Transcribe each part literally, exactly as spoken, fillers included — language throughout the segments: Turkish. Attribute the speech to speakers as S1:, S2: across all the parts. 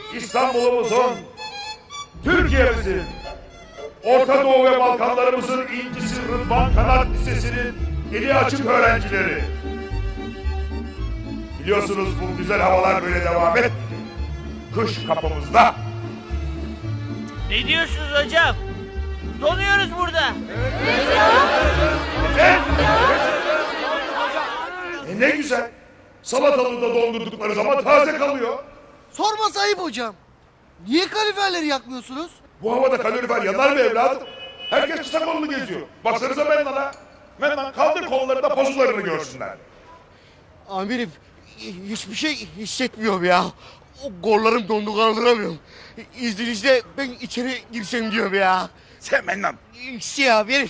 S1: İstanbul'umuzun, Türkiye'mizin, Orta Doğu ve Balkanlarımızın incisi Rıdvan Kanat Lisesi'nin eli açık öğrencileri. Biliyorsunuz bu güzel havalar böyle devam et. Kış kapımızda.
S2: Ne diyorsunuz hocam? Donuyoruz burada.
S1: Evet. E ne güzel. Salatalığı da dondurdukları zaman taze kalıyor.
S3: Sorması ayıp hocam. Niye kaliferleri yakmıyorsunuz?
S1: Bu havada kalorifer yanar mı evladım? Herkes kısa kollu geziyor. Baksanıza Mennan'a. Mennan kaldır kollarında pozularını görsünler.
S3: Amirim hiçbir şey hissetmiyorum ya. O kollarım dondu kaldıramıyorum. İzninizle ben içeri girsem diyorum ya.
S1: Sen Mennan.
S3: Şey amirim.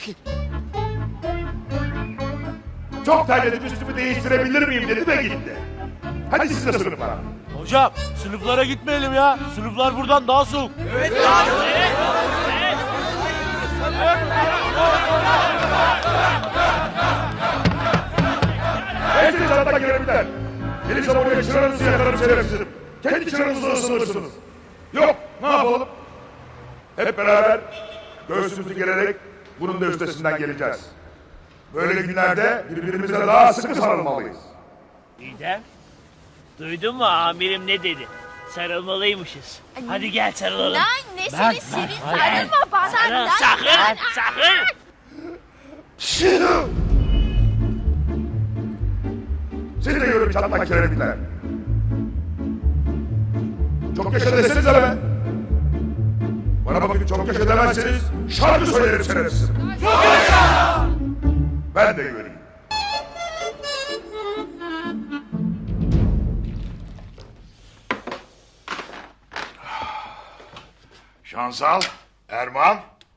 S1: Çok terledim üstümü değiştirebilir miyim dedi de gitti. Hadi siz de sınıflara.
S4: Hocam sınıflara gitmeyelim ya. Sınıflar buradan daha soğuk.
S2: Evet abi. Evet. Evet.
S1: Hepiniz hatta girebilirler. Gelirsem oraya çıranızı yakarım şerefsizim. Kendi çıranızı ısınırsınız. Yok, ne yapalım? Hep beraber göğsümüzü gererek bunun da üstesinden geleceğiz. Böyle günlerde birbirimize daha sıkı sarılmalıyız.
S2: Didem, duydun mu amirim ne dedi? Sarılmalıymışız. Hadi gel sarılalım.
S5: Lan ne seni seni sarılma bana.
S2: Sarıl,
S5: lan.
S2: sakın, sakın.
S1: Seni de görüp çatmak kerebilir. Çok yaşa desenize be. Bana bakın çok yaşa demezseniz şarkı söylerim şerefsiz. Çok yaşa! Ben de göreyim.
S6: Şansal, Erman.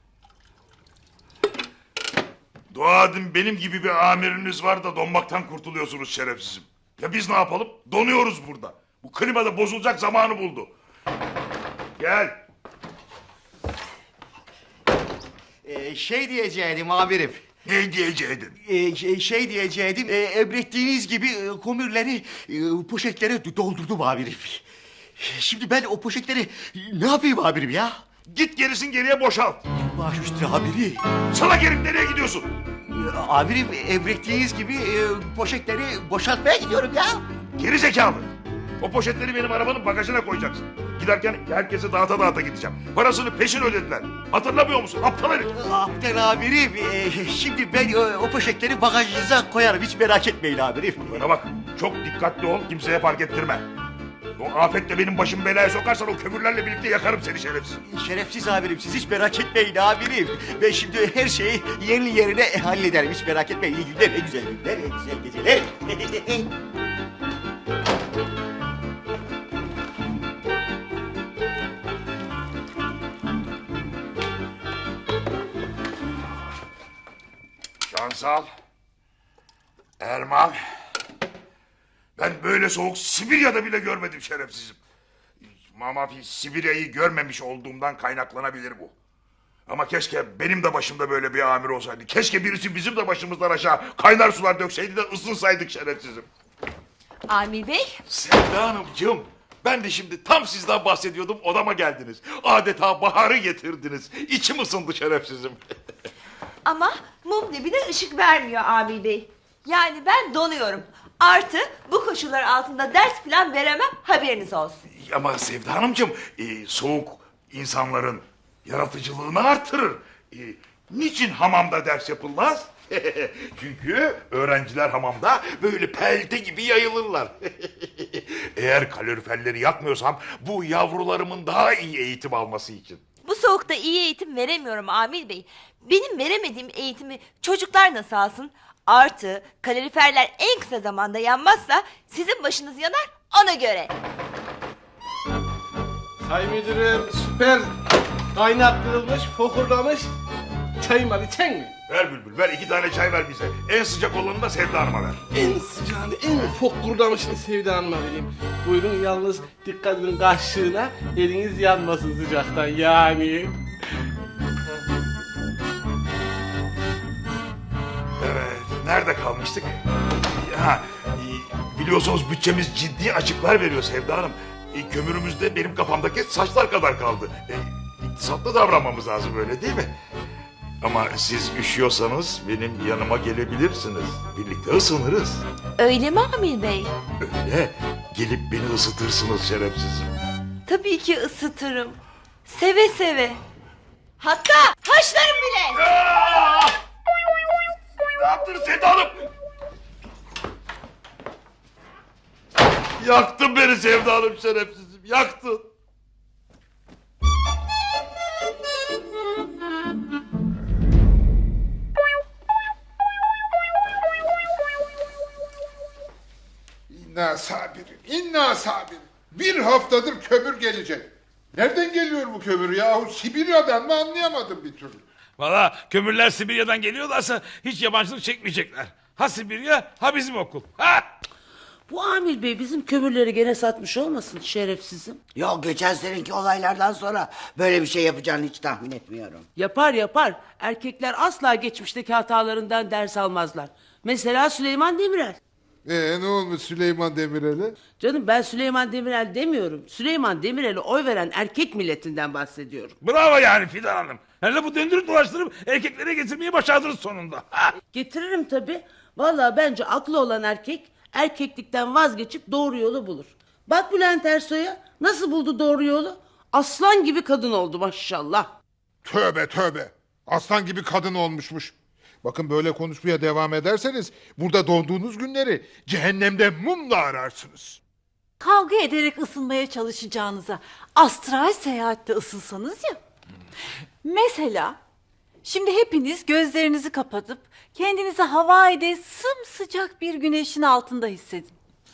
S6: Dua edin benim gibi bir amiriniz var da donmaktan kurtuluyorsunuz şerefsizim. Ya biz ne yapalım? Donuyoruz burada. Bu klima da bozulacak zamanı buldu. Gel.
S7: Ee, şey diyecektim amirim.
S6: Ne diyeceydin?
S7: Ee, şey, şey diyecektim. E, emrettiğiniz gibi e, kömürleri e, poşetlere doldurdum amirim. Şimdi ben o poşetleri ne yapayım amirim ya?
S6: Git gerisin geriye boşalt.
S7: Baş üstüne amirim.
S6: Sana gelip nereye gidiyorsun?
S7: Ee, amirim emrettiğiniz gibi e, poşetleri boşaltmaya gidiyorum ya.
S6: Geri zekalı. O poşetleri benim arabanın bagajına koyacaksın. Giderken herkese dağıta dağıta gideceğim. Parasını peşin ödediler. Hatırlamıyor musun? Aptal herif.
S7: Aptal amirim. E, şimdi ben e, o poşetleri bagajınıza koyarım. Hiç merak etmeyin amirim.
S6: Bana bak, çok dikkatli ol, kimseye fark ettirme. O afetle benim başımı belaya sokarsan o kömürlerle birlikte yakarım seni şerefsiz.
S7: Şerefsiz amirim, siz hiç merak etmeyin amirim. Ben şimdi her şeyi yerli yerine hallederim. Hiç merak etmeyin. İyi günler, en güzel günler, en güzel geceler.
S6: Şansal, Erman, ben böyle soğuk Sibirya'da bile görmedim şerefsizim. Ama Sibirya'yı görmemiş olduğumdan kaynaklanabilir bu. Ama keşke benim de başımda böyle bir amir olsaydı. Keşke birisi bizim de başımızdan aşağı kaynar sular dökseydi de ısınsaydık şerefsizim.
S5: Amir Bey.
S6: Sevda Hanımcığım, ben de şimdi tam sizden bahsediyordum, odama geldiniz. Adeta baharı getirdiniz. İçim ısındı şerefsizim.
S8: Ama mum dibine ışık vermiyor Amir Bey. Yani ben donuyorum. Artı bu koşullar altında ders falan veremem, haberiniz olsun.
S6: Ama Sevda Hanımcığım, e, soğuk insanların yaratıcılığını artırır. E, niçin hamamda ders yapılmaz? Çünkü öğrenciler hamamda böyle pelte gibi yayılırlar. Eğer kaloriferleri yakmıyorsam bu yavrularımın daha iyi eğitim alması için.
S8: Bu soğukta iyi eğitim veremiyorum Amir Bey. Benim veremediğim eğitimi çocuklar nasıl alsın? Artı kaloriferler en kısa zamanda yanmazsa sizin başınız yanar, ona göre.
S4: Say müdürüm süper kaynattırılmış, fokurdamış çayım var, içen mi?
S6: Ver Bülbül, ver iki tane çay ver bize. En sıcak olanı da Sevda Hanım'a ver.
S4: En sıcağını, en fokurdamışını Sevda Hanım'a vereyim. Buyurun, yalnız dikkat edin kaşığına, eliniz yanmasın sıcaktan yani.
S6: Evet, nerede kalmıştık? Ha, e, biliyorsunuz bütçemiz ciddi açıklar veriyor Sevda Hanım. E, kömürümüz de benim kafamdaki saçlar kadar kaldı. E, iktisatlı davranmamız lazım öyle değil mi? Ama siz üşüyorsanız benim yanıma gelebilirsiniz. Birlikte ısınırız.
S8: Öyle mi Amir Bey?
S6: Öyle. Gelip beni ısıtırsınız şerefsizim.
S8: Tabii ki ısıtırım. Seve seve. Hatta haşlarım bile.
S6: Aa! Ne yaptın Sevda Hanım? Yaktın beni Sevda Hanım şerefsizim. Yaktın.
S9: İnna sabirin, inna sabirin. Bir haftadır kömür gelecek. Nereden geliyor bu kömür yahu? Sibirya'dan mı anlayamadım bir türlü.
S10: Valla kömürler Sibirya'dan geliyorlarsa hiç yabancılık çekmeyecekler. Ha Sibirya ha bizim okul. Ha!
S11: Bu Amil Bey bizim kömürleri gene satmış olmasın şerefsizim?
S12: Yok, geçen seneki olaylardan sonra böyle bir şey yapacağını hiç tahmin etmiyorum.
S11: Yapar yapar. Erkekler asla geçmişteki hatalarından ders almazlar. Mesela Süleyman Demirel.
S9: Ee, ne olmuş Süleyman Demirel'e?
S11: Canım ben Süleyman Demirel demiyorum. Süleyman Demirel'e oy veren erkek milletinden bahsediyorum.
S10: Bravo yani Fidan Hanım. Hele bu döndürüp dolaştırıp erkeklere getirmeyi başardınız sonunda. Ha!
S11: Getiririm tabii. Vallahi bence aklı olan erkek erkeklikten vazgeçip doğru yolu bulur. Bak Bülent Ersoy'a nasıl buldu doğru yolu? Aslan gibi kadın oldu maşallah.
S9: Tövbe tövbe. Aslan gibi kadın olmuşmuş. Bakın böyle konuşmaya devam ederseniz burada doğduğunuz günleri cehennemde mumla ararsınız.
S5: Kavga ederek ısınmaya çalışacağınıza astral seyahatte ısınsanız ya. Mesela şimdi hepiniz gözlerinizi kapatıp kendinizi Hawaii'de sımsıcak bir güneşin altında hissedin.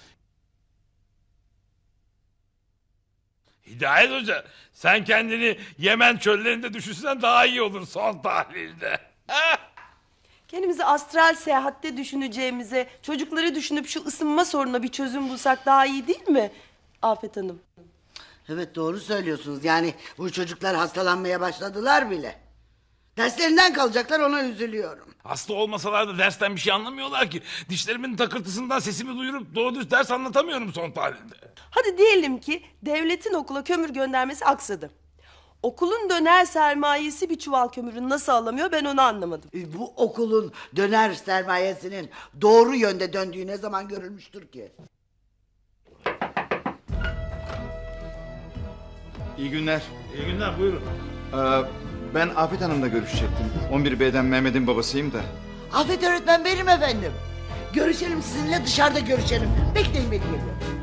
S10: Hidayet Hoca sen kendini Yemen çöllerinde düşünsen daha iyi olur son tahlilde. Ha!
S13: Kendimizi astral seyahatte düşüneceğimize çocukları düşünüp şu ısınma sorununa bir çözüm bulsak daha iyi değil mi Afet Hanım?
S12: Evet, doğru söylüyorsunuz. Yani bu çocuklar hastalanmaya başladılar bile. Derslerinden kalacaklar, ona üzülüyorum.
S10: Hasta olmasalar da dersten bir şey anlamıyorlar ki. Dişlerimin takırtısından sesimi duyurup doğru düz ders anlatamıyorum son tahlilde.
S13: Hadi diyelim ki devletin okula kömür göndermesi aksadı. Okulun döner sermayesi bir çuval kömürü nasıl alamıyor ben onu anlamadım.
S12: E, Bu okulun döner sermayesinin doğru yönde döndüğü ne zaman görülmüştür ki?
S14: İyi günler.
S10: İyi günler buyurun.
S14: Ee, ben Afet Hanım'la görüşecektim. on bir B'den Mehmet'in babasıyım da.
S12: Afet öğretmen benim efendim. Görüşelim sizinle, dışarıda görüşelim. Bekleyin, beni geliyorum.